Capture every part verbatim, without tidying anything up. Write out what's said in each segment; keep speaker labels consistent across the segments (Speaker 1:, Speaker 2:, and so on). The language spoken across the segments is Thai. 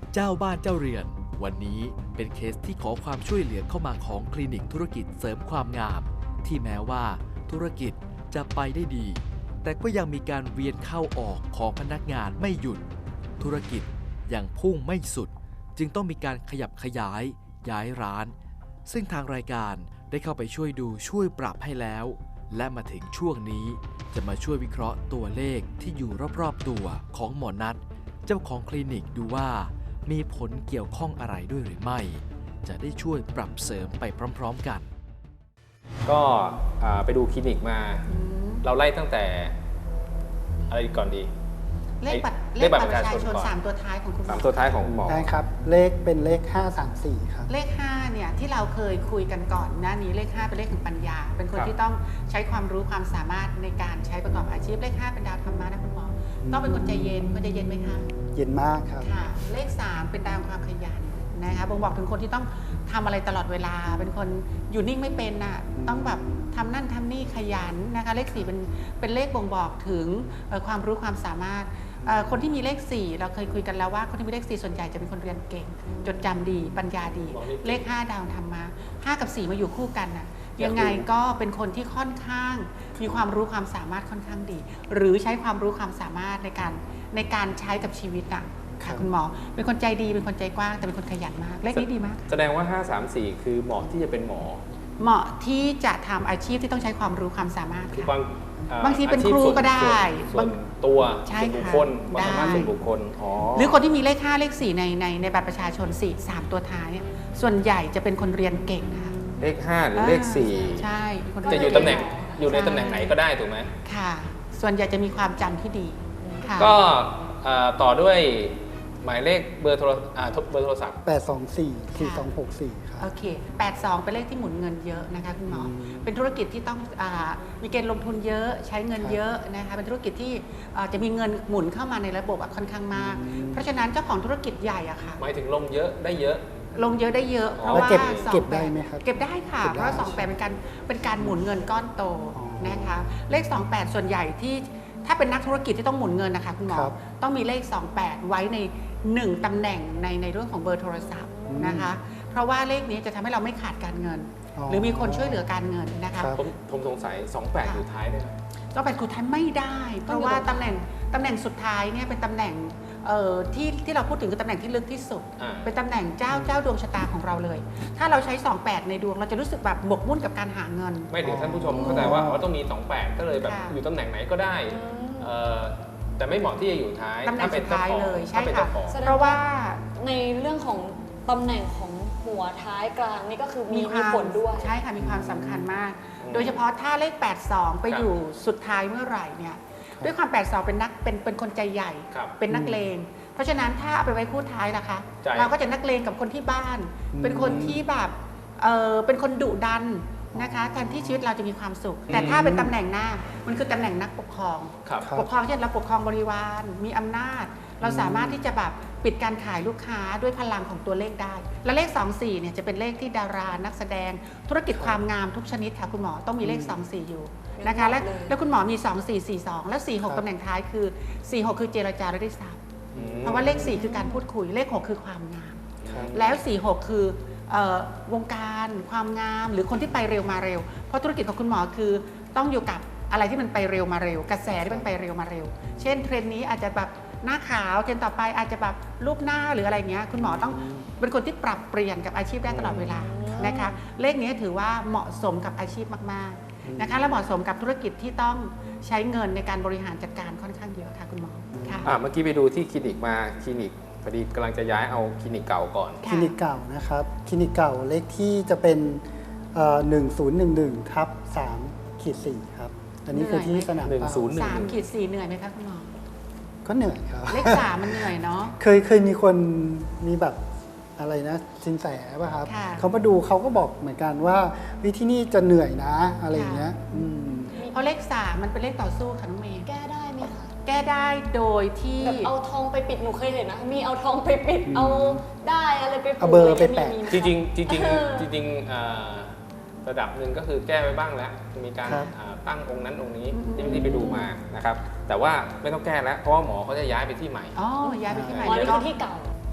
Speaker 1: เจ้าบ้านเจ้าเรือนวันนี้เป็นเคสที่ขอความช่วยเหลือเข้ามาของคลินิกธุรกิจเสริมความงามที่แม้ว่าธุรกิจจะไปได้ดีแต่ก็ยังมีการเวียนเข้าออกของพนักงานไม่หยุดธุรกิจยังพุ่งไม่สุดจึงต้องมีการขยับขยายย้ายร้านซึ่งทางรายการได้เข้าไปช่วยดูช่วยปรับให้แล้วและมาถึงช่วงนี้จะมาช่วยวิเคราะห์ตัวเลขที่อยู่รอบๆตัวของหมอนัทเจ้าของคลินิกดูว่ามีผลเกี่ยวข้องอะไรด้วยหรือไม่จะได้ช่วยปรับเสริมไปพร้อมๆกัน
Speaker 2: ก็ไปดูคลินิกมาเราไล่ตั้งแต่อะไรก่อนดี
Speaker 3: เลขบัตรเลขบัตรประชาชนสามตัวท้ายของคุณหมอ
Speaker 2: สามตัวท้ายของคุณหมอ
Speaker 4: ได้ครับเลขเป็นเลขห้าสามสี่ครับ
Speaker 3: เลขห้าเนี่ยที่เราเคยคุยกันก่อนหน้านี้เลขห้าเป็นเลขของปัญญาเป็นคนที่ต้องใช้ความรู้ความสามารถในการใช้ประกอบอาชีพเลขห้าเป็นดาวธรรมะนะคุณหมอต้องเป็นคนใจเย็นคนใจเย็นไหมคะ
Speaker 4: เย็นมากครับ
Speaker 3: ค่ะเลขสามเป็นดาวความขยันนะคะบ่งบอกถึงคนที่ต้องทำอะไรตลอดเวลาเป็นคนอยู่นิ่งไม่เป็นน่ะต้องแบบทำนั่นทำนี่ขยันนะคะเลขสี่เป็นเป็นเลขบ่งบอกถึงความรู้ความสามารถคนที่มีเลขสี่เราเคยคุยกันแล้วว่าคนที่มีเลขสี่ส่วนใหญ่จะเป็นคนเรียนเก่งจดจำดีปัญญาดีเลขห้าดาวธรรมะห้ากับสี่มาอยู่คู่กันน่ะยังไงก็เป็นคนที่ค่อนข้างมีความรู้ความสามารถค่อนข้างดีหรือใช้ความรู้ความสามารถในการในการใช้กับชีวิตน่ะค่ะคุณหมอเป็นคนใจดีเป็นคนใจกว้างแต่เป็นคนขยันมากเลขนี้ดีมาก
Speaker 2: แสดงว่าห้า สาม สี่คือเหมาะที่จะเป็นหมอ
Speaker 3: เหมาะที่จะทำอาชีพที่ต้องใช้ความรู้ความสามารถ
Speaker 2: ค่ะ
Speaker 3: บางทีเป็นครูก็ได้
Speaker 2: บางตัวส่วนบุคคลความสามารถส่วนบุคคล
Speaker 3: หรือคนที่มีเลขห้าเลขสี่ในในในบัตรประชาชนสี่ สามตัวท้ายส่วนใหญ่จะเป็นคนเรียนเก่งนะคะ
Speaker 2: เลขห้าหรือเลขสี่
Speaker 3: ใช่
Speaker 2: จะอยู่ตำแหน่งอยู่ในตำแหน่งไหนก็ได้ถูกไหม
Speaker 3: ค่ะส่วนใหญ่จะมีความจำที่ดี
Speaker 2: ก็ต่อด้วยหมายเลขเบอร์โทรเบอร์โทรศัพท์
Speaker 4: แปด สอง สี่ สี่ สอง หก สี่ครับ
Speaker 3: โอเคแปด สองเป็นเลขที่หมุนเงินเยอะนะคะคุณหมอเป็นธุรกิจที่ต้องมีเกณฑ์ลงทุนเยอะใช้เงินเยอะนะคะเป็นธุรกิจที่จะมีเงินหมุนเข้ามาในระบบค่อนข้างมากเพราะฉะนั้นเจ้าของธุรกิจใหญ่อะค่ะ
Speaker 2: หมายถึงลงเยอะได้เยอะ
Speaker 3: ลงเยอะได้เยอะเพราะว่า
Speaker 4: เก็บได้ไหมครับ
Speaker 3: เก็บได้ค่ะเพราะสองแปดเป็นการเป็นการหมุนเงินก้อนโตนะคะเลขสองแปดส่วนใหญ่ที่ถ้าเป็นนักธุรกิจที่ต้องหมุนเงินนะคะคุณหมอต้องมีเลขสองแปดไว้ในหนึ่งตำแหน่งในในเรื่องของเบอร์โทรศัพท์นะคะเพราะว่าเลขนี้จะทำให้เราไม่ขาดการเงินหรือมีคนช่วยเหลือการเงินนะคะ
Speaker 2: ผมผมสงสัยสองแปดอยู่ท้ายได้ไหม
Speaker 3: สองแปดคือท้ายไม่ได้เพราะว่าตำแหน่งตำแหน่งสุดท้ายเนี่ยเป็นตำแหน่งที่ที่เราพูดถึงคือตำแหน่งที่ลึกที่สุดเป็นตำแหน่งเจ้าเจ้าดวงชะตาของเราเลยถ้าเราใช้สองแปดในดวงเราจะรู้สึกแบบหมกมุ่นกับการหาเงิน
Speaker 2: ไม่ถึงท่านผู้ชมเข้าใจว่าเขาต้องมีสองแปดก็เลยแบบอยู่ตำแหน่งไหนก็ได้แต่ไม่เหมาะที่จะอยู่ท้าย
Speaker 3: ตำแหน่งสุดท้ายเลยใช่ค่ะ
Speaker 5: เพราะว่าในเรื่องของตำแหน่งของหัวท้ายกลางนี่ก็คือมีมีผลด้วย
Speaker 3: ใช่ค่ะมีความสำคัญมากโดยเฉพาะถ้าเลขแปด สองไปอยู่สุดท้ายเมื่อไหร่เนี่ยด้วยความแปด สองเป็นนักเป็นเป็นคนใจใหญ่เป็นนักเลงเพราะฉะนั้นถ้าเอาไปไว้คู่ท้ายนะคะเราก็จะนักเลงกับคนที่บ้านเป็นคนที่แบบเออเป็นคนดุดันนะคะแทนที่ชีวิตเราจะมีความสุขแต่ถ้าเป็นตำแหน่งหน้ามันคือตำแหน่งนักปกครองปกครองเช่นเราปกครองบริวารมีอำนาจเราสามารถที่จะแบบปิดการขายลูกค้าด้วยพลังของตัวเลขได้และเลขสอง สี่เนี่ยจะเป็นเลขที่ดารานักแสดงธุรกิจความงามทุกชนิดค่ะคุณหมอต้องมีเลขสอง สี่อยู่นะคะและแล้วคุณหมอมีสอง สี่ สี่ สองและสี่ หกตำแหน่งท้ายคือสี่ หกคือเจรจาและได้ทรัพย์เพราะว่าเลขสี่คือการพูดคุยเลขหกคือความงามแล้วสี่ หกคือวงการความงามหรือคนที่ไปเร็วมาเร็วเพราะธุรกิจของคุณหมอคือต้องอยู่กับอะไรที่มันไปเร็วมาเร็วกระแสที่มันไปเร็วมาเร็วเช่นเทรนด์นี้อาจจะแบบหน้าขาวเทรนด์ต่อไปอาจจะแบบรูปหน้าหรืออะไรเงี้ยคุณหมอต้องเป็นคนที่ปรับเปลี่ยนกับอาชีพได้ตลอดเวลานะคะเลขนี้ถือว่าเหมาะสมกับอาชีพมากๆนะคะและเหมาะสมกับธุรกิจที่ต้องใช้เงินในการบริหารจัดการค่อนข้างเยอะค่ะคุณหมอค่ะ
Speaker 2: เมื่อกี้ไปดูที่คลินิกมาคลินิกพอดีกำลังจะย้ายเอาคลินิกเก่าก่อน
Speaker 4: คลินิกเก่านะครับคลินิกเก่าเลขที่จะเป็นหนึ่งศูนย์หนึ่งหนึ่งทับสามขีดสี่ครับอันนี้คือที่สนามเป้า
Speaker 3: สามขีดสี่เหนื่อยไหมคะคุณหมอ
Speaker 4: ก็เหนื่อยครับ
Speaker 3: เลขสามมันเหนื่อยเนาะ
Speaker 4: เคยเคยมีคนมีแบบอะไรนะสินแสป่ะครับเขามาดูเขาก็บอกเหมือนกันว่าวิธีนี้จะเหนื่อยนะอะไรอย่างเงี้ย
Speaker 3: เพราะเลขสามมันเป็นเลขต่อสู้ค่ะน้องเมย์
Speaker 5: แก้ได้ไหมคะ
Speaker 3: แก้ได้โดยที่
Speaker 5: แบบเอาทองไปปิดหนูเคยเห็นนะมีเอาทองไปปิดเอาได้อะไรไป
Speaker 4: เอาเบอร์ไปแปะ
Speaker 2: จริงจริงจริงจริงระดับหนึ่งก็คือแก้ไปบ้างแล้วมีการตั้งองค์นั้นองค์นี้ที่ไปดูมานะครับแต่ว่าไม่ต้องแก้แล้วเพราะว่าหมอเขาจะย้ายไปที่ใหม่
Speaker 3: อ๋อย้ายไปที่ใหม่
Speaker 5: อ๋อนี่คือที่เก่า
Speaker 4: ที่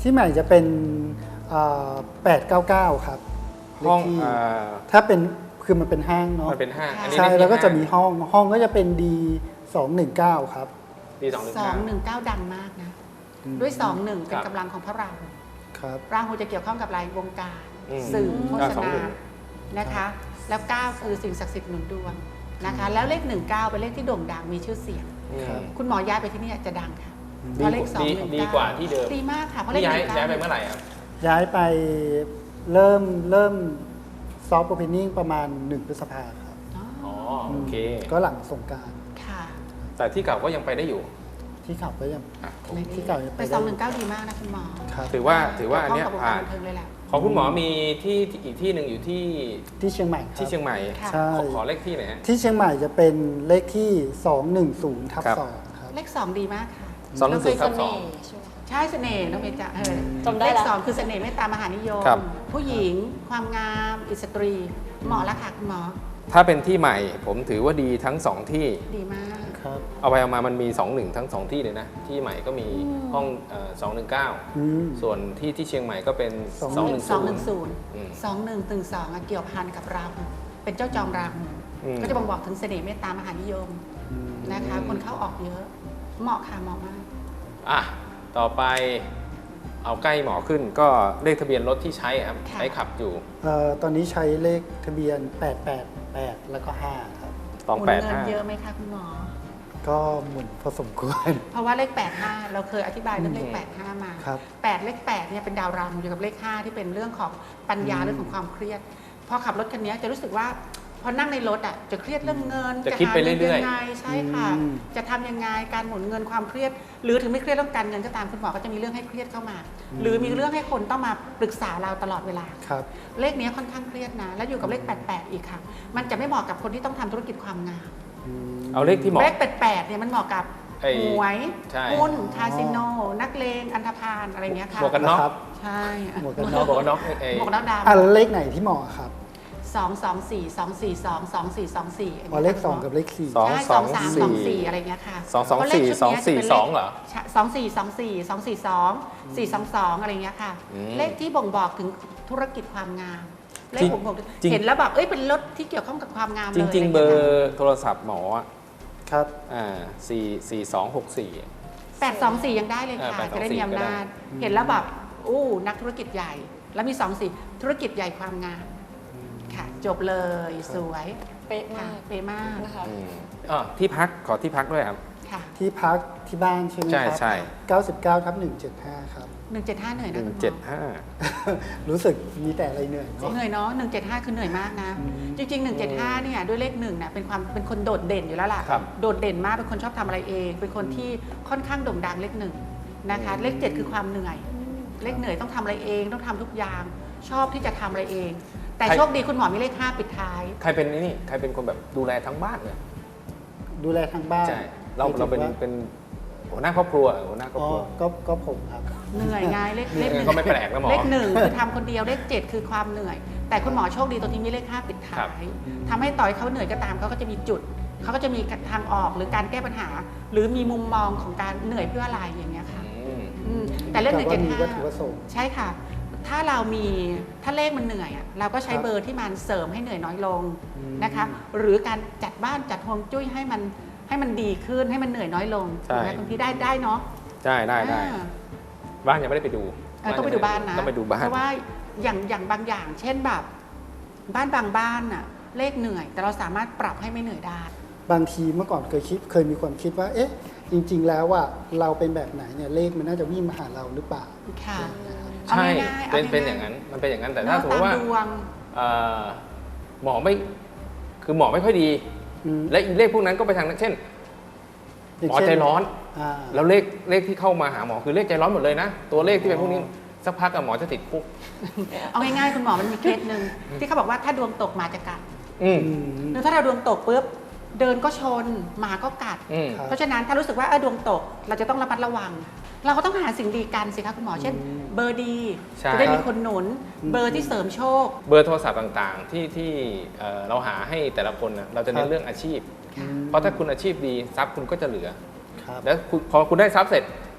Speaker 4: ที่ใหม่จะเป็นแปดเก้าเก้าครับ
Speaker 2: ห้อง
Speaker 4: เลขที่
Speaker 2: อ่า
Speaker 4: ถ้าเป็นคือมันเป็นห้างเนาะ
Speaker 2: มันเป็นห้างอันนี้
Speaker 4: ใช่
Speaker 2: เลขที่
Speaker 4: แล้วก็จะ
Speaker 2: ห้า
Speaker 4: มีห้องห้องก็จะเป็น ดีสองหนึ่งเก้าครับ
Speaker 2: ดีสองหนึ่ง
Speaker 3: สอ
Speaker 2: เก้าง
Speaker 3: หนึ่งเก้าดังมากนะ
Speaker 4: อืม
Speaker 3: ด้วยสองหนึ่งเป็น
Speaker 2: ครับ
Speaker 3: กำลังของพระราหู
Speaker 4: ครับ
Speaker 3: ราหูจะเกี่ยวข้องกับราย วงการ
Speaker 2: อืม
Speaker 3: สื่อโฆ
Speaker 2: อ่า
Speaker 3: ษ
Speaker 2: สอง
Speaker 3: ณา
Speaker 2: หนึ่ง
Speaker 3: นะคะ แล้วเก้าคือสิ่งศักดิ์สิทธิ์หนุนดวงนะคะ แล้วเลขหนึ่งเก้าเป็นเลขที่โด่งดังมีชื่อเสียง
Speaker 2: อืม
Speaker 4: ครับ
Speaker 3: คุณหมอย้ายไปที่นี่จะดังค่ะ
Speaker 2: ดี
Speaker 3: เพราะเลขสอง
Speaker 2: ดี
Speaker 3: หนึ่ง
Speaker 2: ดี
Speaker 3: เก้าก
Speaker 2: ว่าที่เดิม
Speaker 3: ดีมากค่ะเพราะเล
Speaker 2: นี่
Speaker 3: ข
Speaker 2: ย้า
Speaker 3: ห
Speaker 2: ย
Speaker 3: นึ่งเก้า
Speaker 2: ย้ายไปเมื่อไหร่ครับ
Speaker 4: ย้ายไปเริ่มเริ่มซอฟต์โอเพนนิ่งประมาณหนึ่งพฤษภาครับ
Speaker 3: อ๋อ
Speaker 2: อ๋อโอเค
Speaker 4: ก็หลังสงกราร
Speaker 3: ค่ะ
Speaker 2: แต่ที่เก่าก็ยังไปได้อยู่
Speaker 4: ที่ขับก็ยัง
Speaker 2: อ่ะ
Speaker 4: ที่เก่ายังไป
Speaker 3: แต่
Speaker 4: ได้
Speaker 3: สองหนึ่งเก้าดีมากนะคุณหมอ
Speaker 4: ครับ
Speaker 2: ถือว่าถือว่าอันเนี้ย
Speaker 3: เกี่ยวข้งกับวง
Speaker 2: ผ่า
Speaker 3: การ
Speaker 2: น
Speaker 3: บันเทิงเลยแหละ
Speaker 2: ของคุณหมอมีที่ที่อีกที่หนึ่งอยู่ที่
Speaker 4: ที่เชียงใหม่ครับ
Speaker 2: ที่เชียงใหม่
Speaker 3: ค่ะ
Speaker 4: ใช่
Speaker 2: ขอขอเลขที่หน่อยฮะ
Speaker 4: ที่เชียงใหม่จะเป็นเลขที่สองหนึ่งศูนย์ทับ
Speaker 2: ครับ
Speaker 4: สองครับ
Speaker 3: เลขสองดีมากค่ะ
Speaker 2: สองหนึ่งศูนย์
Speaker 5: เส
Speaker 2: ทับสอ
Speaker 5: น่
Speaker 2: ง
Speaker 5: ห์ใช่ไหมคะ
Speaker 3: ใช่เสน่ห์น้องเมย์จะเออ
Speaker 5: จำได้
Speaker 3: เลข
Speaker 5: ละ
Speaker 3: สองคือเสน่ห์เมตตามหานิยม
Speaker 2: ครับ
Speaker 3: ผู้หญิงความงามอิสตรีเหมาะแล้วค่ะคุณหมอ
Speaker 2: ถ้าเป็นที่ใหม่ผมถือว่าดีทั้งสองที่
Speaker 3: ดีมาก
Speaker 4: ครับ
Speaker 2: เอาไปเอามามันมีสองหนึ่งทั้งสองที่เลยนะ ที่ใหม่ก็มีห้องสองหนึ่งเก้า
Speaker 4: อืม
Speaker 2: ส่วนที่ที่เชียงใหม่ก็เป็น
Speaker 4: สอง
Speaker 2: สองหนึ่ง
Speaker 3: สอง
Speaker 2: ศู
Speaker 3: ห
Speaker 2: น
Speaker 3: นึ่
Speaker 2: ย์
Speaker 3: งศูนย์
Speaker 2: อืม
Speaker 3: สองหนึ่งตึงสองเกี่ยวพันกับราหูเป็นเจ้าจอมราหู
Speaker 2: อืม
Speaker 3: ก็จะบ่งบอกถึงเสน่ห์เมตตามหานิยมนะคะ คนเข้าออกเยอะ เหมาะค่ะเหมาะมาก
Speaker 2: อ่ะต่อไปเอาใกล้หมอขึ้นก็เลขทะเบียนรถที่ใช้ครับ
Speaker 3: ค่ะ
Speaker 2: ใช้ขับอยู่
Speaker 4: เอ่อตอนนี้ใช้เลขทะเบียนแปดแปดแปดแล้วก็ห้าครับ
Speaker 2: ตอง
Speaker 3: หมุน
Speaker 2: แปด
Speaker 3: เงิน
Speaker 2: ห้า
Speaker 3: เยอะไหมคะคุณหมอ
Speaker 4: ก็หมุนพอสมควร
Speaker 3: เพราะว่าเลขแปดห้าเราเคยอธิบายเรื่องเลข
Speaker 2: อืม
Speaker 3: แปดห้ามา
Speaker 4: ครับ
Speaker 3: แปดเลขแปดเนี่ยเป็นดาวราหูอยู่กับเลขห้าที่เป็นเรื่องของปัญญา
Speaker 4: อืม
Speaker 3: เรื่องของความเครียดพอขับรถคันนี้จะรู้สึกว่าพอนั่งในรถอ่ะจะเครียดเรื่องเงิน
Speaker 2: จะคิดไป
Speaker 3: หางิน
Speaker 2: เรื่อยๆ
Speaker 3: ยังไงใช่ค่ะ
Speaker 4: อืม
Speaker 3: จะทำยังไงการหมุนเงินความเครียด หรือถึงไม่เครียดเรื่องการเงินก็ตามคุณหมอก็จะมีเรื่องให้เครียดเข้ามา หรือมีเรื่องให้คนต้องมาปรึกษาเราตลอดเวลา
Speaker 4: ครับ
Speaker 3: เลขนี้ค่อนข้างเครียดนะ แล้วอยู่กับเลขแปดแปดอีกค่ะ มันจะไม่เหมาะกับคนที่ต้องทำธุรกิจความงาม
Speaker 4: อืม
Speaker 2: เอาเลขที่หมอ
Speaker 3: เลขแปดแปดเนี่ยมันเหมาะกับ
Speaker 2: ไอ้
Speaker 3: หวย
Speaker 2: ใช่
Speaker 3: หุ้นคาสิโน นักเลงอันธพาลอะไรเงี้ยค่ะ
Speaker 2: หมวกกันน็อก
Speaker 4: นะครับ
Speaker 3: ใช่
Speaker 4: หมวกกัน
Speaker 2: หม
Speaker 4: น็อก
Speaker 2: วกกันน็อกไอ้
Speaker 3: หมวกน็อกด
Speaker 4: อ่ะแล้วเลขไหนที่เหมาะครับ
Speaker 3: ำสองสองสี่สองสี่สองสองสี่สองสี่
Speaker 4: อ๋อเลขสองกับเลขสี่
Speaker 2: สอง
Speaker 3: ใช่
Speaker 2: ส
Speaker 3: ส
Speaker 2: อ
Speaker 3: อง งสามสองสี่อะไรเงี้ยค่ะ
Speaker 2: สองสอง
Speaker 3: เพราะเลข
Speaker 2: สี่
Speaker 3: ชุด
Speaker 2: สอง
Speaker 3: เนี้ย
Speaker 2: สี่
Speaker 3: จะเป็น
Speaker 2: ส
Speaker 3: เล
Speaker 2: อ
Speaker 3: ข
Speaker 2: งเหรอ
Speaker 3: สองสี่สองสี่สองสี่สองสี่สองสองอะไรเงี้ยค่ะ
Speaker 2: อืม
Speaker 3: เลขที่บ่งบอกถึงธุรกิจความงาม เลข
Speaker 2: จริง
Speaker 3: บ่งบอก
Speaker 2: จริง
Speaker 3: เห็นแล้วแบบเอ้ยเป็นรถที่เกี่ยวข้องกับความงามเลย
Speaker 2: จริง ๆ เบอร์โทรศัพท์หมออ่ะ
Speaker 4: ครับ
Speaker 2: อ่าสี่สี่สองหกสี่
Speaker 3: แปดสองสี่ยังได้เลยค่ะ
Speaker 2: เออแปดสองสี่
Speaker 3: จะได้มีอำนาจ
Speaker 2: ก็ได้
Speaker 3: เห็นแล้วแบบอู้นักธุรกิจใหญ่ แล้วมีสองสี่ธุรกิจใหญ่ความงามค่ะ จบเลยสวย
Speaker 5: เป๊ะ
Speaker 3: ค่ะ
Speaker 5: มาก
Speaker 3: เปมาก
Speaker 5: นะคะ
Speaker 2: อืมอ๋อที่พักขอที่พักด้วยครับ
Speaker 3: ค่ะ
Speaker 4: ที่พักที่บ้านใช่ไหม
Speaker 2: ใช่
Speaker 4: ครับ
Speaker 2: ใช่
Speaker 4: เก้าสิบเก้าทับหนึ่งเจ็ดห้าครับ
Speaker 3: หนึ่งเจ็ดห้าเหนื่อย
Speaker 2: ห
Speaker 3: นะ
Speaker 2: นึ่ง
Speaker 3: คุณหมอ
Speaker 2: เจ็ดห้า
Speaker 4: รู้สึกมีแต่อะไรเหนื่อยเนาะ
Speaker 3: เหนื่อยเนาะหนึ่งเจ็ดห้าคือเหนื่อยมากนะ
Speaker 4: อืม
Speaker 3: จริงๆหนึ่งเจ็ดห้าเนี่ยด้วยเลขหนึ่งเนี่ยเป็นความเป็นคนโดดเด่นอยู่แล้วล่ะ
Speaker 2: ครับ
Speaker 3: โดดเด่นมากเป็นคนชอบทำอะไรเอง เป็นคนที่ค่อนข้างโด่งดังเลขหนึ่งนะคะ เลขเจ็ดคือความเหนื่อย เลขเหนื่อยต้องทำอะไรเองต้องทำทุกอย่าง ชอบที่จะทำอะไรเอง แต่
Speaker 2: ใคร
Speaker 3: โชคดีคุณหมอมีเลขห้าปิดท้าย
Speaker 2: ใครเป็นนี่ใครเป็นคนแบบดูแลทั้งบ้านเนี่ย
Speaker 4: ดูแลทางบ้าน
Speaker 2: ใช่เรา
Speaker 4: หมยถึง
Speaker 2: เราเป็น
Speaker 4: ว่
Speaker 2: เป็นหัวหน้าครอบครัวหัวหน้าครอบ
Speaker 4: อ๋อ
Speaker 2: ครัว
Speaker 4: ก็ก็ผมครับ
Speaker 3: เหนื่อยไงเลขเลขหนึ่ง
Speaker 2: ก็ไม่แปลกนะหมอ
Speaker 3: เลขหนึ่งคือทำคนเดียวเลขเจ็ดคือความเหนื่อย แต่คุณหมอโชคดีตรงที่มีเลขห้าปิด
Speaker 2: ครั
Speaker 3: ท้า
Speaker 2: บ
Speaker 3: ยทำให้ต่อยเขาเหนื่อยก็ตามเขาก็จะมีจุดเขาก็จะมีทางออกหรือการแก้ปัญหา หรือมีมุมมองของการเหนื่อยเพื่ออะไรอย่างเงี้ยค่ะ
Speaker 2: อืม
Speaker 3: อืมแต่เลขหนึ่งเจ็ด
Speaker 4: มี
Speaker 3: ห้า
Speaker 4: วัตถุประสงค์
Speaker 3: ใช่ค่ะ ถ้าเรามีถ้าเลขมันเหนื่อยอ่ะเราก็ใช้
Speaker 4: ครับ
Speaker 3: เบอร์ที่มันเสริมให้เหนื่อยน้อยลง
Speaker 4: อืม
Speaker 3: นะคะ หรือการจัดบ้านจัดฮวงจุ้ยให้มันให้มันดีขึ้นให้มันเหนื่อยน้อยลง
Speaker 2: ใช่
Speaker 3: ถูกไหมคุณพี่ได้ได้เนาะ
Speaker 2: ใช่ได้ได้
Speaker 3: อ่า
Speaker 2: บ้านยังไม่ได้ไปดู
Speaker 3: เออต้องไปดูบ้านนะ
Speaker 2: ต้องไปดูบ้าน
Speaker 3: เพราะว่าอย่างอย่างบางอย่าง เช่นแบบ บ้านบางบ้านน่ะเลขเหนื่อย แต่เราสามารถปรับให้ไม่เหนื่อยได้
Speaker 4: บางทีเมื่อก่อนเคยคิดเคยมีความคิดว่า เอ๊ะ จริง ๆ แล้วว่าเราเป็นแบบไหนเนี่ยเลขมันน่าจะวิ่งมาหาเราหรือเปล่า
Speaker 3: ค่ะ
Speaker 2: ใช่
Speaker 3: เอาง่ายๆ
Speaker 2: เป็น
Speaker 3: เอาง่ายๆ
Speaker 2: เป็นอย่างนั้นมันเป็นอย่างนั้นแต่ถ้า
Speaker 3: เนาะ
Speaker 2: สมมติว่า
Speaker 3: ตามดวง
Speaker 2: เอ่อหมอไม่คือหมอไม่ค่อยดี
Speaker 4: อืม
Speaker 2: และอีเลขพวกนั้นก็ไปทางนั้นเช่น
Speaker 4: ย่าง
Speaker 2: หมอ
Speaker 4: เช่น
Speaker 2: ใจร้อน
Speaker 4: อ่า
Speaker 2: แล้วเลขเลขที่เข้ามาหาหมอคือเลขใจร้อนหมดเลยนะ ตัวเลขที่เป็นพวกนี้สักพักกับหมอจะติดคุก
Speaker 3: เอาง่ายๆคุณหมอมันมีเคสหนึ่งที่เขาบอกว่าถ้าดวงตกหมาจะกัด
Speaker 2: อืม
Speaker 4: อืม
Speaker 3: หรือถ้าเราดวงตกปุ๊บเดินก็ชนหมาก็กัด
Speaker 2: อืม
Speaker 4: ครับ
Speaker 3: เพราะฉะนั้นถ้ารู้สึกว่าเออดวงตกเราจะต้องระมัดระวัง เราก็ต้องหาสิ่งดีกันสิคะคุณหมอเช่น
Speaker 4: อืม
Speaker 3: เบอร์ดี
Speaker 2: ใช่
Speaker 3: จะได้มีคนหนุน
Speaker 4: อืม
Speaker 3: เบอร์ที่เสริมโชค
Speaker 2: เบอร์โทรศัพท์ต่างๆ ที่ที่เอ่อเราหาให้แต่ละคนนะเราจะเน้
Speaker 4: ครั
Speaker 2: น
Speaker 4: บ
Speaker 2: เรื่องอาชีพ
Speaker 4: อืม
Speaker 2: เพราะถ้าคุณอาชีพดีทรัพย์คุณก็จะเหลือ
Speaker 4: ครับ
Speaker 2: แล้วคุณพอคุณได้ทรัพย์เสร็จ ที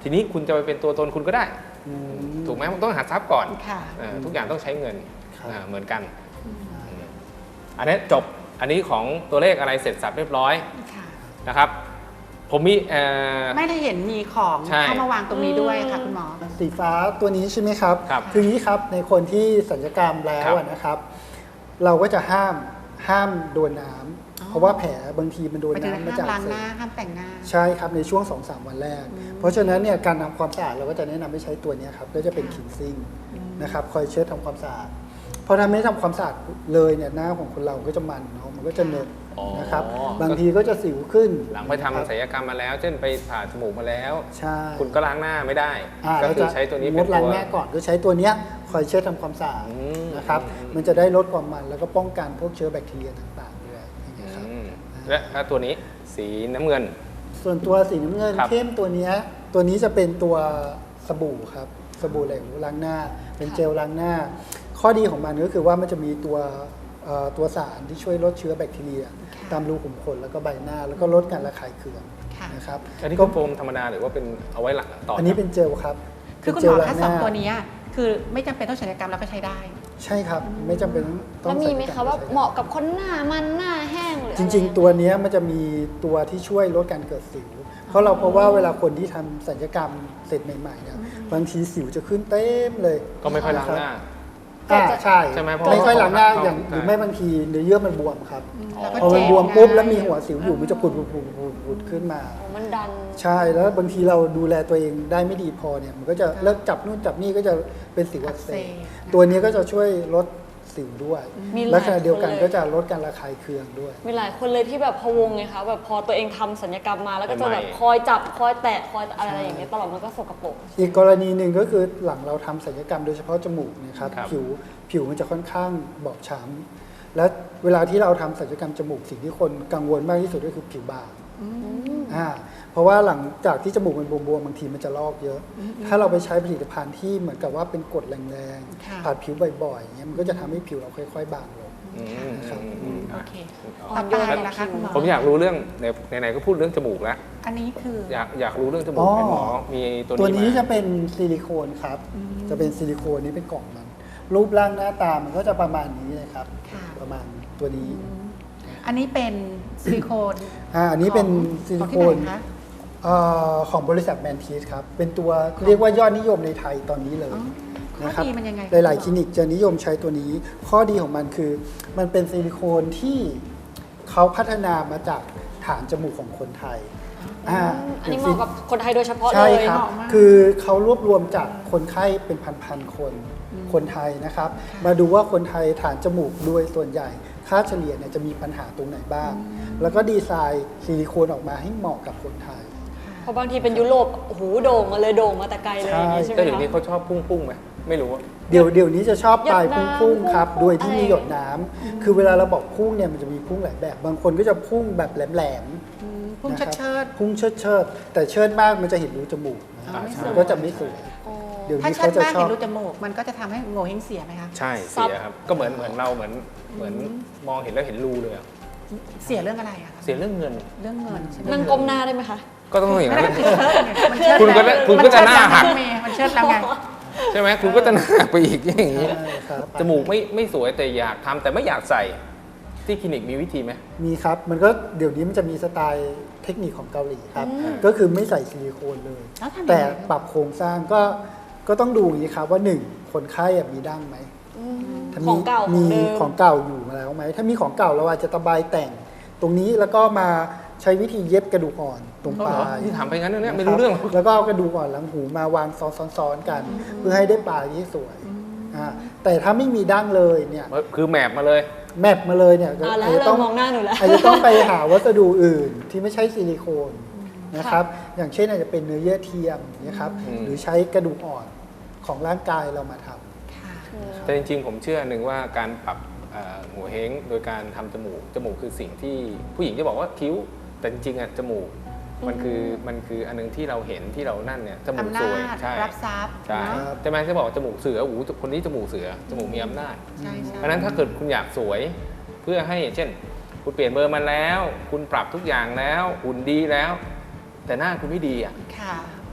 Speaker 2: ทีนี้คุณจะไปเป็นตัวตนคุณก็ได้
Speaker 4: อืม
Speaker 2: ถูกไหมมันต้องหาทรัพย์ก่อน
Speaker 3: ค่ะ
Speaker 2: เออทุกอย่างต้องใช้เงิน
Speaker 4: ครับ
Speaker 2: อ่าเหมือนกันอืมอันนี้จบอันนี้ของตัวเลขอะไรเสร็จสับเรียบร้อย
Speaker 3: ค่ะ
Speaker 2: นะครับ ผมมีเอ่อ
Speaker 3: ไม่ได้เห็นมีของ
Speaker 2: ใช่
Speaker 3: เข้ามาวางตรงนี้ด้วยค่ะคุณหมอ
Speaker 4: สีฟ้าตัวนี้ใช่ไหมครับ
Speaker 2: ครับ
Speaker 4: คืออย่างนี้ครับในคนที่สัญญกรรมแล้
Speaker 2: ครั
Speaker 4: ว
Speaker 2: บ
Speaker 4: อะนะครับ เราก็จะห้ามห้ามโดนน้ำ
Speaker 3: อ๋อ
Speaker 4: เพราะว่าแผลบางทีมันโดน
Speaker 3: ไปถึง
Speaker 4: น้ำมา
Speaker 3: ห้าม
Speaker 4: จาก
Speaker 3: ล้าง
Speaker 4: เส
Speaker 3: ห
Speaker 4: พ
Speaker 3: น้าห้ามแต่งหน้า
Speaker 4: ใช่ครับในช่วง สองถึงสาม วันแรก เพราะฉะนั้นเนี่ยการทำความสะอาดเราก็จะแนะนำให้ใช้ตัวเนี้ยครับก็จะเป็นคินซิ่งนะครับคอยเช็ดทำความสะอาดเพราะถ้าไม่ทำความสะอาดเลยเนี่ยหน้าของคนเราก็จะมันเนาะมันก็จะเหนอะ
Speaker 2: อ๋อ
Speaker 4: นะครับบางทีก็จะสิวขึ้น
Speaker 2: หลังไปทำศัลยกรรมมาแล้ว เช่นไปผ่าจมูกมาแล้ว
Speaker 4: ใช่
Speaker 2: คุณก็ล้างหน้าไม่ได้
Speaker 4: อ่า
Speaker 2: ก็
Speaker 4: เรา
Speaker 2: คือ
Speaker 4: จะ
Speaker 2: ใช้ตัวนี้
Speaker 4: ง
Speaker 2: เป็
Speaker 4: ด
Speaker 2: น
Speaker 4: ล้าง
Speaker 2: ตัว
Speaker 4: หน้าก่อนก็ใช้ตัวเนี้ยคอยเช็ดทำความสะอาด
Speaker 2: อืม
Speaker 4: นะครับ
Speaker 2: อืม
Speaker 4: มันจะได้ลดความมันแล้วก็ป้องกันพวกเชื้อแบคทีเรียต่างๆด้วยอย่างเงี้ยครับ
Speaker 2: อืมและและตัวนี้สีน้ำเงิน
Speaker 4: ส่วนตัวสีน้ำเงิน
Speaker 2: ครับ
Speaker 4: เข้มตัวเนี้ยตัวนี้จะเป็นตัวสบู่ครับสบู่เหลวล้างหน้า เป็นเจลล้างหน้า ข้อดีของมันก็คือว่ามันจะมีตัวเอ่อตัวสารที่ช่วยลดเชื้อแบคทีเรีย ตามรูขุมขนแล้วก็ใบหน้า แล้วก็ลดการระคายเคือง
Speaker 3: ค่ะ
Speaker 4: นะครับ
Speaker 2: อันนี้
Speaker 4: ก็
Speaker 2: ก็โฟมธรรมดาหรือว่าเป็นเอาไว้หลังต่อ
Speaker 4: อั
Speaker 2: อั
Speaker 4: นนี้เป็นเจลครับ
Speaker 3: คือคุณ
Speaker 4: เป็น
Speaker 3: หม
Speaker 4: เจ
Speaker 3: อ
Speaker 4: ลล้า
Speaker 3: คะ
Speaker 4: งห
Speaker 3: สอง
Speaker 4: น้า
Speaker 3: ตัวนี้คือไม่จำเป็นต้องศัลยกรรมเราก็ใช้ได้
Speaker 4: ใช่ครับไม่จำเป็นต้อ
Speaker 5: แล้
Speaker 4: ง
Speaker 5: วมีไหม
Speaker 4: ศัลยกร
Speaker 5: คะ
Speaker 4: ร
Speaker 5: ว่า
Speaker 4: ใช้ได้
Speaker 5: เหมาะกับคนหน้ามันหน้าแห้งหรือ
Speaker 4: จ
Speaker 5: อะไร
Speaker 4: ริงๆ ตัวเนี้ยมันจะมีตัวที่ช่วยลดการเกิดสิว เพราะเราเพราะว่าเวลาคนที่ทำศัลยกรรมเสร็จใหม่ๆเนี่ยบางทีสิวจะขึ้นเต็มเลย
Speaker 2: ก็ไม่ค่อยล้างหน้า
Speaker 4: อ่าใช่
Speaker 2: ใช่ไหมเพราะ
Speaker 4: ไม่ค่อยล้างหน้า
Speaker 2: เขา
Speaker 4: อย่าง
Speaker 2: ใช่
Speaker 4: หรือไม่บางทีเนื้อเยื่อมันบวมครับ
Speaker 3: แล้วก็
Speaker 4: พอมัน
Speaker 3: เจ็
Speaker 4: บวมปุ๊บ
Speaker 3: ไง
Speaker 4: แล้วมีหัวสิวอยู่มันจะปุดปุดปุดปุดปุดขึ้นมา
Speaker 5: อ๋อมันดัน
Speaker 4: ใช่แล้วบางทีเราดูแลตัวเองได้ไม่ดีพอเนี่ยมันก็จะเลิกจับนู่นจับนี่ก็จะเป็นสิวอักเส
Speaker 3: อัก
Speaker 4: บ
Speaker 3: เสบ
Speaker 4: ตัวนี้ก็จะช่วยลดสิวด้วย
Speaker 5: มีหลาย
Speaker 4: และขณะเดียวกัน
Speaker 5: คนเลย
Speaker 4: ก็จะลดการระคายเคืองด้วย
Speaker 5: มีหลายคนเลยที่แบบพะวงไงคะแบบพอตัวเองทำศัลยกรรมมาแล้วก็จะแบบ
Speaker 2: ใหม่ๆ
Speaker 5: คอยจับคอยแตะคอยอะไรอย่างเงี้ยตลอดมันก็สกปรก
Speaker 4: อีกกรณีหนึ่งก็คือหลังเราทำศัลยกรรมโดยเฉพาะจมูกเนะครับ
Speaker 2: ครับ
Speaker 4: ผิวผิวมันจะค่อนข้างบอบช้ำและเวลาที่เราทำศัลยกรรมจมูกสิ่งที่คนกังวลมากที่สุดก็คือผิวบางอ่าเพราะว่าหลังจากที่จมูกมันบวมๆบางทีมันจะลอกเยอะ ถ้าเราไปใช้ผลิตภัณฑ์ที่เหมือนกับว่าเป็นกรดแรง
Speaker 3: ค่ะ
Speaker 4: ๆผ่านผิวบ่อยๆอย่างเงี้ยมันก็จะทำให้ผิวเราค่อยๆบางลง
Speaker 2: อืมอืมอืม
Speaker 3: โอ
Speaker 2: อ่ะ
Speaker 3: เค
Speaker 5: อ่
Speaker 3: ต่
Speaker 5: อ
Speaker 3: อน
Speaker 5: โย
Speaker 3: ไป
Speaker 5: น
Speaker 3: นะคะคุณหมอ
Speaker 2: ผมอยากรู้เรื่องในไหนๆก็พูดเรื่องจมูกแล้ว
Speaker 3: อันนี้คือ
Speaker 2: อยากอยากรู้เรื่องจมู
Speaker 4: อ๋
Speaker 2: ก
Speaker 4: อ
Speaker 2: เป็นหมอมีตัว
Speaker 4: ตัว
Speaker 2: นี้
Speaker 4: นี้
Speaker 2: มา
Speaker 4: จะเป็นซิลิโคนครับ จะเป็นซิลิโคนนี้เป็นกล่องมัน รูปร่างหน้าตามันก็จะประมาณนี้เลยครับ
Speaker 3: ค่ะ
Speaker 4: ประมาณตัวนี้
Speaker 3: อันนี้เป็นซิลิโคน
Speaker 4: อ่าอันนี้เป็น
Speaker 3: ของ
Speaker 4: ซิลิ
Speaker 3: ของ
Speaker 4: โค
Speaker 3: ที่ไห
Speaker 4: น
Speaker 3: นคะ
Speaker 4: เอ่อของบริษัทแมนทีสครับ เป็นตัวเรียกว่ายอดนิยมในไทยตอนนี้เลย
Speaker 3: อ๋อ
Speaker 4: นะครับ
Speaker 3: ข้อดีมันยังไง
Speaker 4: หลายๆคลินิกจะนิยมใช้ตัวนี้ ข้อดีของมันคือ มันเป็นซิลิโคนที่เขาพัฒนามาจากฐานจมูกของคนไทยอ่า
Speaker 5: อันนี้เหมาะกับคนไทยโดยเฉพาะเล
Speaker 4: ใช่
Speaker 5: ย
Speaker 4: ครับ
Speaker 3: เหมาะมาก
Speaker 4: คือเขารวบรวมจากคนไข้เป็นพันๆคน คนไทยนะครับ มาดูว่าคนไทยฐานจมูกโดยส่วนใหญ่ ค่าเฉลี่ยเนี่ยจะมีปัญหาตรงไหนบ้าง แล้วก็ดีไซน์ซิลิโคนออกมาให้เหมาะกับคนไทย
Speaker 5: เพราะบางทีเป็นยุโรปโอ้โหโด่งมาเลยโด่งมาแต่ไกลเลยอย่างงี้ใช่ไหม
Speaker 2: แต่เดี๋ยวนี้
Speaker 5: คะ
Speaker 2: เขาชอบพุ่งพุ่งๆไหมไม่รู้อะ
Speaker 4: เดี๋ยวเดี๋ยวนี้จะชอบปลาย
Speaker 5: หยดน้ำ
Speaker 4: พุ่งๆครับ
Speaker 5: พุ่ง
Speaker 4: โดยที่มี
Speaker 5: อะไร
Speaker 4: หยดน้ำคือเวลาเราบอกพุ่งเนี่ยมันจะมีพุ่งหลายแบบ บางคนก็จะพุ่งแบบแหลม
Speaker 3: อืมพุ่ง
Speaker 4: นะครับ
Speaker 3: เชิด
Speaker 4: ๆพุ่งเชิดเชิดๆแต่เชิดมากมันจะเห็นรูจมูกนะ
Speaker 3: อ๋อไม่สวย
Speaker 4: มันก็จะไม่สวย
Speaker 5: โอ้
Speaker 4: เดี๋ยว
Speaker 3: ๆถ้า
Speaker 4: นี้
Speaker 3: เชิ
Speaker 4: เขา
Speaker 3: ด
Speaker 4: จะ
Speaker 3: มาก
Speaker 4: ชอ
Speaker 3: เห็
Speaker 4: บ
Speaker 3: นรูจมูกมันก็จะทำให้โง่เฮงเสียไหมคะ
Speaker 2: ใช่
Speaker 5: ซับ
Speaker 2: เสียครับก็เหมือนเหมือนเราเหมือนเหมือนมองเห็นแล้วเห็นรูเลยอะ
Speaker 3: เสียเรื่องอะไรอะคะ
Speaker 2: เสียเรื่องเงิน
Speaker 3: เรื่องเงินใช่ไหม
Speaker 5: นั่งก้มหน้าได้ไหมคะ
Speaker 2: ก็ต้องอย่างนั้น
Speaker 3: มันเชิด
Speaker 2: คุณก็
Speaker 3: แล้ว
Speaker 2: คุณก็จะหน้าหัก
Speaker 3: มัเชิดแล้วมันเชิดแล้วไง
Speaker 2: ใช่ไหมคุณก็จะหนักไปอีกอย่างนี้
Speaker 4: ใช่ครับ
Speaker 2: จมูกไม่ไม่สวยแต่อยากทำแต่ไม่อยากใส่ที่คลินิกมีวิธีไหม
Speaker 4: มีครับ มันก็เดี๋ยวนี้มันจะมีสไตล์เทคนิคของเกาหลีครับ
Speaker 2: อืม
Speaker 4: ก็คือไม่ใส่ซิลิโคนเลย
Speaker 3: แล้วทำยังไง
Speaker 4: แต่ปรับโครงสร้างก็ก็ต้องดูอย่างนี้ครับว่าหนึ่งคนไข้อะมีดั้งไหมถ้า
Speaker 5: ของเก่าของ
Speaker 4: มี
Speaker 5: เดิม
Speaker 4: ของเก่าอยู่มาแล้วไหมถ้ามีของเก่าเราอาจจะตะไบแต่ง ตรงนี้แล้วก็มาใช้วิธีเย็บกระดูกอ่อนตรงปลา
Speaker 2: อ๋อเหรอย ที่ถามไปงั้นเนี่ย
Speaker 4: นะคบ
Speaker 2: ไม่รู้เรื่องหรอก
Speaker 4: แล้วก็เอากระดูกอ่อนหลังหูมาวางซ้อนๆกัน เพื่อให้ได้ปลายที่สวยอ่าแต่ถ้าไม่มีดั้งเลยเนี่ย
Speaker 2: คือแมปมาเลย
Speaker 4: แมปมาเลยเนี่ยก็
Speaker 5: อ่าแล้ว
Speaker 4: อาจจะ
Speaker 5: เริ่
Speaker 4: ต้อ
Speaker 5: ม
Speaker 4: ง
Speaker 5: มองหน้าหนูแล้ว
Speaker 4: อาจจะต้องไปหาวัสดุอื่นที่ไม่ใช่ซิลิโคนนะครับ อย่างเช่นอาจจะเป็นเนื้อเยื่อเทียมนะครับ
Speaker 2: อืม
Speaker 4: หรือใช้กระดูกอ่อนของร่างกายเรามาทำ
Speaker 3: ค่ะ
Speaker 2: แต่จริงๆ ผมเชื่อหนึ่งว่าการปรับเอ่อหัวเฮงโดยการทำจมูก จมูกคือสิ่งที่ผู้หญิงจะบอกว่าคิ้ว แต่จริงๆอ่ะจมูกมันคือมันคืออันนึงที่เราเห็นที่เรานั่นเนี่ยจมูก
Speaker 3: อำนา
Speaker 2: สวย
Speaker 3: จ
Speaker 2: ใช่
Speaker 3: รับทรัพย์
Speaker 2: ใช่
Speaker 3: เนอะ
Speaker 2: แต่แม่จะบอกจมูกเสือโอ้โหคนนี้จมูกเสือจมูกมีอำนาจ
Speaker 3: ใช่ใช่
Speaker 2: เพราะฉะนั้นถ้าเกิดคุณอยากสวยเพื่อให้เช่น คุณเปลี่ยนเบอร์มาแล้ว คุณปรับทุกอย่างแล้วหุ่นดีแล้ว แต่หน้าคุณไม่ดีอ่ะ
Speaker 3: ค่ะ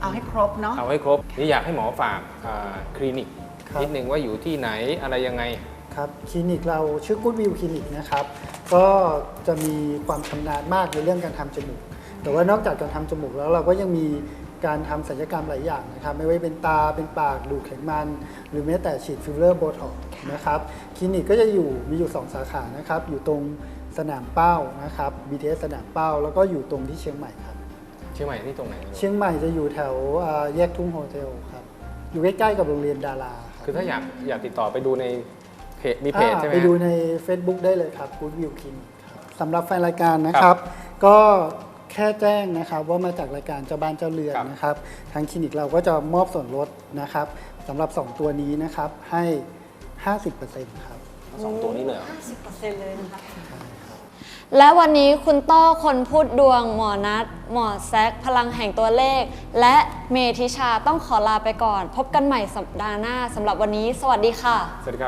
Speaker 3: เอาให้ครบเนาะ
Speaker 2: เอาให้ครบนี่อยากให้หมอฝากอ่าคลินิก
Speaker 4: ครับ
Speaker 2: นิดนึงว่าอยู่ที่ไหนอะไรยังไง
Speaker 4: ครับคลินิกเราชื่อ Good View คลินิกนะครับ ก็จะมีความชำนาญมากในเรื่องการทำจมูก แต่ว่านอกจากการทำจมูกแล้วเราก็ยังมีการทำศัลยกรรมหลายอย่างนะครับ ไม่ว่าเป็นตาเป็นปากดูดไขมัน หรือแม้แต่ฉีดฟิลเลอร์โบท็อกซ์นะครับคลินิกก็จะอยู่มีอยู่สองสาขานะครับอยู่ตรงสนามเป้านะครับ บี ที เอส สนามเป้าแล้วก็อยู่ตรงที่เชียงใหม่ครับ
Speaker 2: เชียงใหม่ที่ตรงไหน
Speaker 4: เชียงใหม่จะอยู่แถวอ่าแยกทุ่งโฮเทลครับอยู่ใกล้ๆกับโรงเรียนดาราครับ
Speaker 2: คือถ้าอยากอยากติดต่อไปดูในเพจมีเพจ
Speaker 4: อ่า
Speaker 2: ใช่ไหม
Speaker 4: ไป
Speaker 2: ฮะ
Speaker 4: ดูใน Facebook ได้เลยครับ Good View Clinic ครับสำหรับแฟนรายการนะครับ ก็แค่แจ้งนะครับว่ามาจากรายการเจ้าบ้านเจ้าเรือน
Speaker 2: ครับ
Speaker 4: นะครับทางคลินิกเราก็จะมอบส่วนลดนะครับสำหรับ สอง ตัวนี้นะครับให้ ห้าสิบเปอร์เซ็นต์ ครับ
Speaker 2: สองตัวนี้เลยเหรอ
Speaker 5: ห้าสิบเปอร์เซ็นต์เลยนะคะและวันนี้คุณต้อคนพูดดวงหมอนัทหมอแซคพลังแห่งตัวเลข และเมธิชาต้องขอลาไปก่อน พบกันใหม่สัปดาห์หน้าสำหรับวันนี้สวัสดีค่ะ
Speaker 2: สวัสดีครับ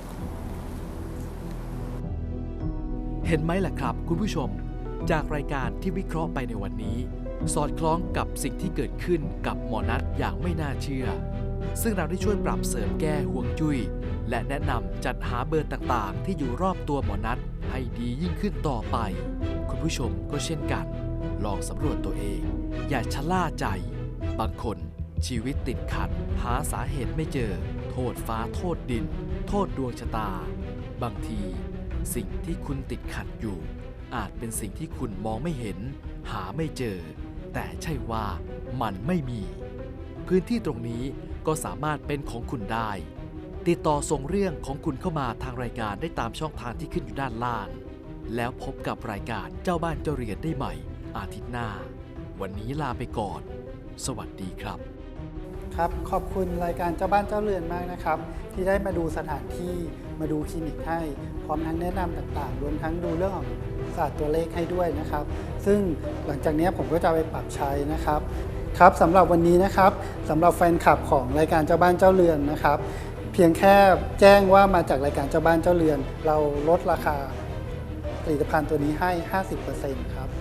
Speaker 1: เห็นไหมล่ะครับคุณผู้ชม จากรายการที่วิเคราะห์ไปในวันนี้ สอดคล้องกับสิ่งที่เกิดขึ้นกับหมอนัทอย่างไม่น่าเชื่อ ซึ่งเราได้ช่วยปรับเสริมแก้ห่วงจุ้ยและแนะนำจัดหาเบอร์ต่างๆ ที่อยู่รอบตัวหมอนัทให้ดียิ่งขึ้นต่อไป คุณผู้ชมก็เช่นกัน ลองสำรวจตัวเอง อย่าชะล่าใจ บางคนชีวิตติดขัด หาสาเหตุไม่เจอ โทษฟ้าโทษดิน โทษดวงชะตา บางที สิ่งที่คุณติดขัดอยู่ อาจเป็นสิ่งที่คุณมองไม่เห็น หาไม่เจอ แต่ใช่ว่ามันไม่มี พื้นที่ตรงนี้ก็สามารถเป็นของคุณได้ ติดต่อส่งเรื่องของคุณเข้ามาทางรายการได้ตามช่องทางที่ขึ้นอยู่ด้านล่าง แล้วพบกับรายการเจ้าบ้านเจ้าเรือนได้ใหม่ อาทิตย์หน้า วันนี้ลาไปก่อน สวัสดีครับ
Speaker 4: ครับขอบคุณรายการเจ้าบ้านเจ้าเรือนมากนะครับ ที่ได้มาดูสถานที่มาดูคลินิกให้พร้อมทั้งแนะนำต่างๆรวมทั้งดูเรื่องของศาสตร์ตัวเลขให้ด้วยนะครับ ซึ่งหลังจากนี้ผมก็จะไปปรับใช้นะครับครับสำหรับวันนี้นะครับสำหรับแฟนคลับของรายการเจ้าบ้านเจ้าเรือนนะครับ เพียงแค่แจ้งว่ามาจากรายการเจ้าบ้านเจ้าเรือน เราลดราคาผลิตภัณฑ์ตัวนี้ให้ ห้าสิบเปอร์เซ็นต์ ครับ